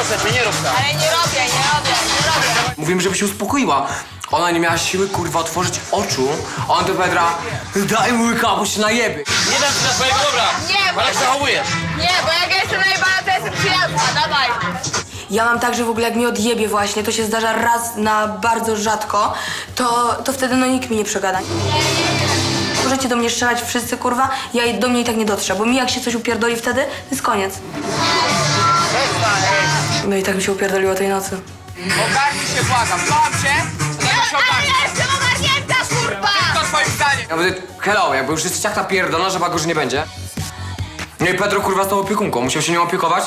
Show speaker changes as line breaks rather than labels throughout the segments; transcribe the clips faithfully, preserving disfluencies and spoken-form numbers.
proszę cię, nie rób tak.
Ale nie robię, nie robię, nie robię.
Mówiłem, żeby się uspokoiła. Ona nie miała siły, kurwa, otworzyć oczu. A on do Pedra, daj mu łyka, bo się najebie.
Nie dam ci na swojego dobra.
Nie, bo
Ale jak zachowujesz?
Nie, bo jak ja jestem najebana, to jestem przyjazna, dawaj.
Ja mam tak, że w ogóle jak mi odjebie właśnie, to się zdarza raz na bardzo rzadko, to, to wtedy no nikt mi nie przegada. Możecie do mnie strzelać wszyscy, kurwa, ja do mnie i tak nie dotrze, bo mi jak się coś upierdoli wtedy, to jest koniec. No i tak mi się upierdoliło tej nocy.
Ogarnij się, błagam. Błagam cię, to tego się
Ale
ogarnij.
ja jestem ogarnięta, kurwa!
To twoim zdaniem.
Ja będę, hello, jakby już jest ciach napierdolona, że go, że nie będzie. No i Pedro, kurwa, z tą opiekunką, musiał się nią opiekować.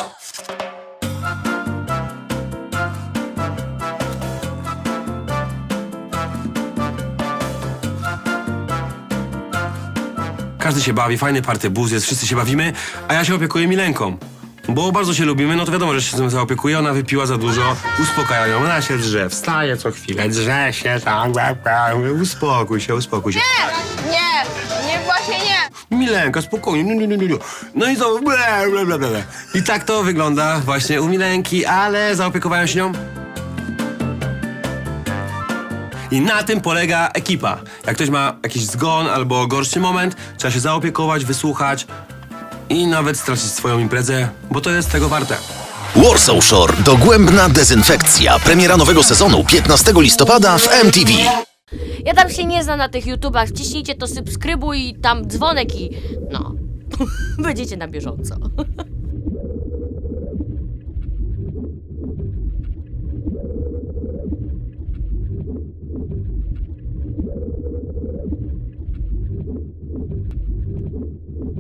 Każdy się bawi, fajny party buz jest, wszyscy się bawimy, a ja się opiekuję Milenką. Bo bardzo się lubimy, no to wiadomo, że się z tym zaopiekuję, ona wypiła za dużo, uspokaja ją, ona się drze, wstaje co chwilę, drze się tam, uspokój się, uspokój się.
Nie, nie, nie, właśnie nie.
Milenka, spokojnie, nie, nie, nie, nie. No i to ble, ble, ble, ble. I tak to wygląda właśnie u Milenki, ale zaopiekowałem się nią. I na tym polega ekipa. Jak ktoś ma jakiś zgon albo gorszy moment, trzeba się zaopiekować, wysłuchać i nawet stracić swoją imprezę, bo to jest tego warte.
Warsaw Shore. Dogłębna dezynfekcja. Premiera nowego sezonu piętnastego listopada w M T V.
Ja tam się nie znam na tych YouTubach, wciśnijcie to subskrybuj i tam dzwonek i no, będziecie na bieżąco.